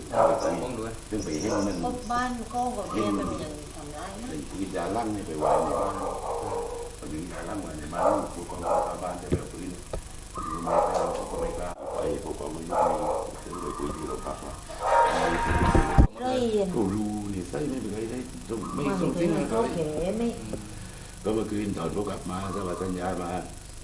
ป้องด้วยซึ่งไปให้มันบ้านก็แบบนี้มันยังทำได้นะกินยาลั่งไปวางในบ้านพอดียาลั่งมาในบ้านผู้กองชาวบ้านจะแบบปืนอยู่มาเราก็ไม่กล้าไปผู้กองมันไม่ซื้อเลยคุยที่โรงพักว่ากูรู้นี่ใส่ไม่เป็นไรได้ไม่ส่งทิ้งอะไรก็เมื่อคืนตอนพวกกลับมาสวัสดิ์สัญญามา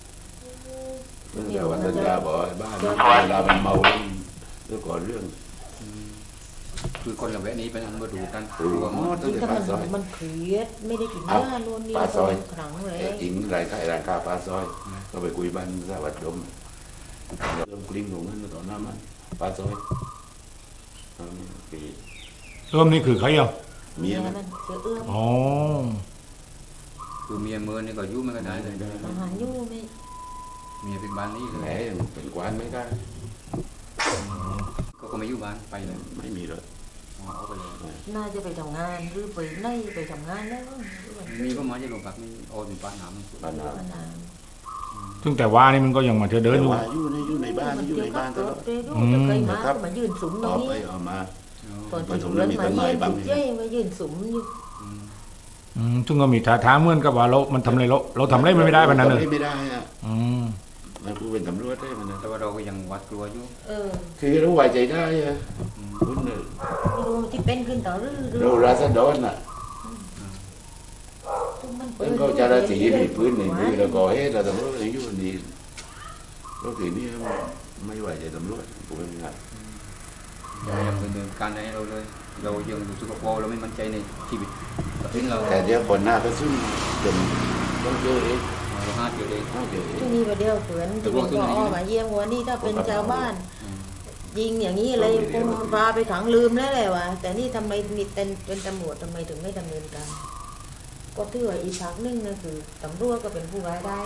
แต่วันสัญญาบอกบ้านเวลามันเมาแล้วก่อนเรื่องคือคนละแวะนี้เป็นอันมาดูกันรู้ว่าตั้งแต่ปลาซอยมันเครียดไม่ได้กินเนื้อล้วนนี่ปลาซอยครั้งเลยอิงรายค่าปลาซอยก็ไปคุยบ้านสวัสดิ์ดมเริ่มกลิ้งลงนั้นตอนนั้นมันปลาซอยเริ่มนี่คือใครอ่ะเมียมันอ๋อคือเมียเมื่อนี่ก็ยุ่งไม่กันได้เลยอาหารยุ่งไม่เมียเป็นบ้านนี้เลยแหมเป็นกวานไม่ได้ก็ไม่ยุ่งบ้านไปเลยไม่มีเลยน่าจะไปทำงานหรือไปไหนไปทำงานแล้วมีก็มาจะลงกับมีโอ้มีป้าน้ำซึ่งแต่ว่านี่มันก็ยังมาเธอเดินอยู่ในบ้านอยู่ในบ้านตลอดครับมายืนสุมตรงนี้ออกมาตอนที่เรื่องมาเยี่ยมเย้มายืนสุมอยู่ซึ่งก็มีท่าทางเหมือนกับว่ามันทำอะไรเราทำอะไรไม่ได้ปะนั้นเลยไม่ได้อ่ะมันกูเป็นตำรวจได้มันแต่ว่าเราก็ยังวัดกลัวอยู่คือเราไว้ใจได้อ่ะคุณรู้ที่เป็นขึ้นต่อเราราษฎรน่ะมันก็จะราศีมีพื้นในมือเราก่อให้เราตำรวจอยู่ดีเราถือนี่ไม่ไหวใจตำรวจกูเป็นไงยังดำเนินการในเราเลยเรายังอยู่สุขภาพเราไม่มั่นใจในชีวิตแต่เดี๋ยวคนหน้าก็ซึ่งจนต้องเจอเองเราห้าเจอเองที่นี่ประเดี๋ยวเผื่อนที่เป็นก็อ้อมาเยี่ยมวันนี้ถ้าเป็นชาวบ้านยิงอย่างนี้เลยคงพาไปขังลืมแล้วแหละวะแต่นี่ทำไมมีเป็นตำรวจทำไมถึงไม่ดำเนินการก็ถือว่าอีกพักนึงนั่นคือตำรวจก็เป็นผู้ร้ายได้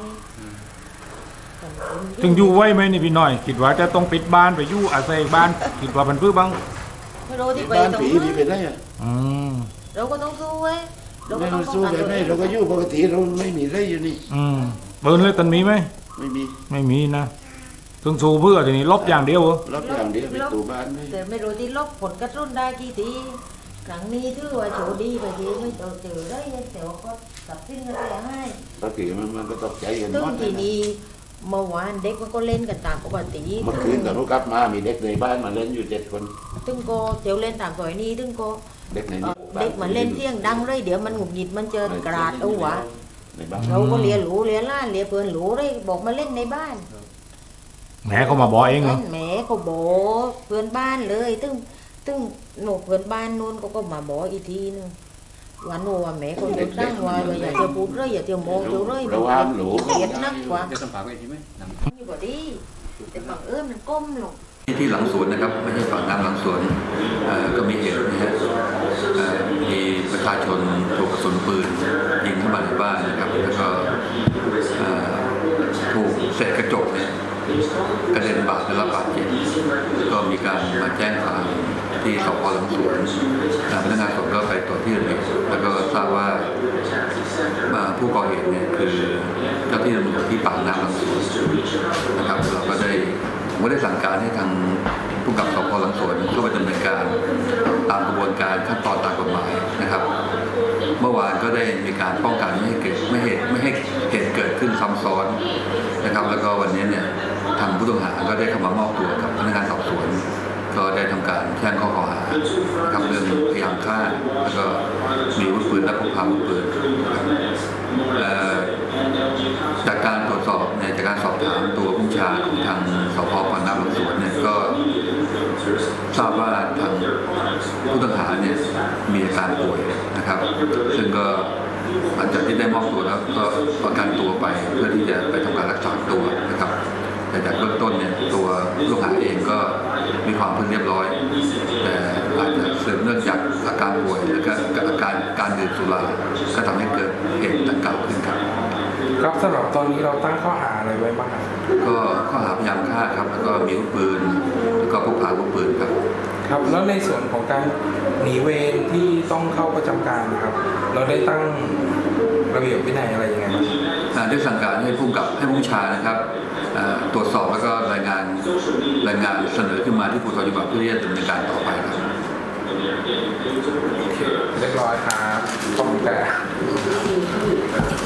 ถึงอยู่ไว้ไหมนี่พี่น้อยคิดว่าจะต้องปิดบ้านไปอยู่อาศัยบ้านคิดว่าเป็นเพื่อบ้างไม่รู้ที่ไปตรงนั้นไปได้เราก็ต้องสู้ไว้เราก็ต้องสู้ไปไม่เราก็อยู่ปกติเราไม่มีอะไรอยู่นี่เบิร์นเลยตันมีไหมไม่มีนะต้องสู้เพื่อทีนี้ลบอย่างเดียวลบอย่างเดียวเป็นตัวบ้านแต่ไม่รู้ที่ลบผลกระตุ้นได้กี่ทีครั้งนี้ถือว่าโชดีไปทีไม่เจอได้แต่ว่าก็ตัดสิ้นอะไรให้ปกติมันก็ตกใจกันหมดทีนี้เมื่อวานเด็กมันก็เล่นกันตามปกติเมื่อคืนกับลูกกลับมามีเด็กในบ้านมาเล่นอยู่7 คนตึงก็เดี๋ยวเล่นตามซอยนี้ตึงก็เด็กมาเล่นเที่ยงดังเลยเดี๋ยวมันหงุดหงิดมันเจอกระดาษเอาวะเราก็เลียหลูเลียล้านเลียเพื่อนหลูเลยบอกมาเล่นในบ้านแม่เขามาบอกเองเหรอแม่เขาบอกเพื่อนบ้านเลยตึงหนูเพื่อนบ้านนู้นก็มาบอกอีกทีนึงวันนู้นแม่คนตั้งว่าอย่าเที่ยวพูดเลยอย่าเที่ยวมองเที่ยวเลยเกลียดนักกว่าจะสัมผัสไปใช่ไหมนี่ก็ดีแต่บางมันก้มลงที่หลังสวนนะครับไม่ใช่ฝั่งน้ำหลังสวนก็มีเหตุนะฮะมีประชาชนถูกกระสุนปืนยิงเข้ามาในบ้านนะครับแล้วก็ถูกเศษกระจกเนี่ยกระเด็นบาดได้รับบาดเจ็บก็มีการมาแจ้งความที่สพหลังสวนพนักงานสอบสวนก็ไปตรวจที่เกิดเหตุแล้วก็ทราบว่าผู้ก่อเหตุเนี่ยคือเจ้าที่ตำรวจที่ปากน้ำหลังสวนนะครับเราก็ได้สั่งการให้ทางผู้กำกับสพหลังสวนเข้าไปดำเนินการตามกระบวนการขั้นตอนตามกฎหมายนะครับเมื่อวานก็ได้มีการป้องกันไม่ให้เหตุเกิดขึ้นซ้ำซ้อนนะครับแล้วก็วันนี้เนี่ยทางผู้ต้องหาก็ได้เข้ามามอบตัวกับพนักงานสอบสวนก็ได้ทำการแจ้งข้อกล่าวหานะครับเรื่องพยายามฆ่าแล้วก็มีอาวุธปืนและพกพาอาวุธปืนจากการตรวจสอบจากการสอบถามตัวผู้ชาของทางสพปากน้ำหลังสวนเนี่ยก็ทราบว่าทางผู้ต้องหาเนี่ยมีอาการป่วยนะครับซึ่งก็หลังจากที่ได้มอบตัวแล้วก็ประกันตัวไปเพื่อที่จะไปทำการรักษาตัวนะครับแต่จากเบื้องต้นเนี่ยตัวผู้ต้องหาเองก็มีความพึงเรียบร้อยแต่อาจจะสืบเนื่องจากอาการป่วยและก็อาการดื่มสุราก็ทำให้เกิดเหตุดังกล่าวขึ้นครับครับสำหรับตอนนี้เราตั้งข้อหาอะไรไว้บ้างครับก็ข้อหาพยายามฆ่าครับแล้วก็มีอาวุธปืนแล้วก็พกพาอาวุธปืนครับครับแล้วในส่วนของการหนีเวรที่ต้องเข้าประจำการนะครับเราได้ตั้งระเบียบวินัยอะไรยังไงบ้างได้สั่งการให้ผู้บัญชานะครับตรวจสอบแล้วก็รายงานเสนอขึ้นมาที่ภูธรจังหวัดเพื่อที่จะดำเนินการต่อไปครับโอเคเรียบร้อยครับขอบคุณค่ะ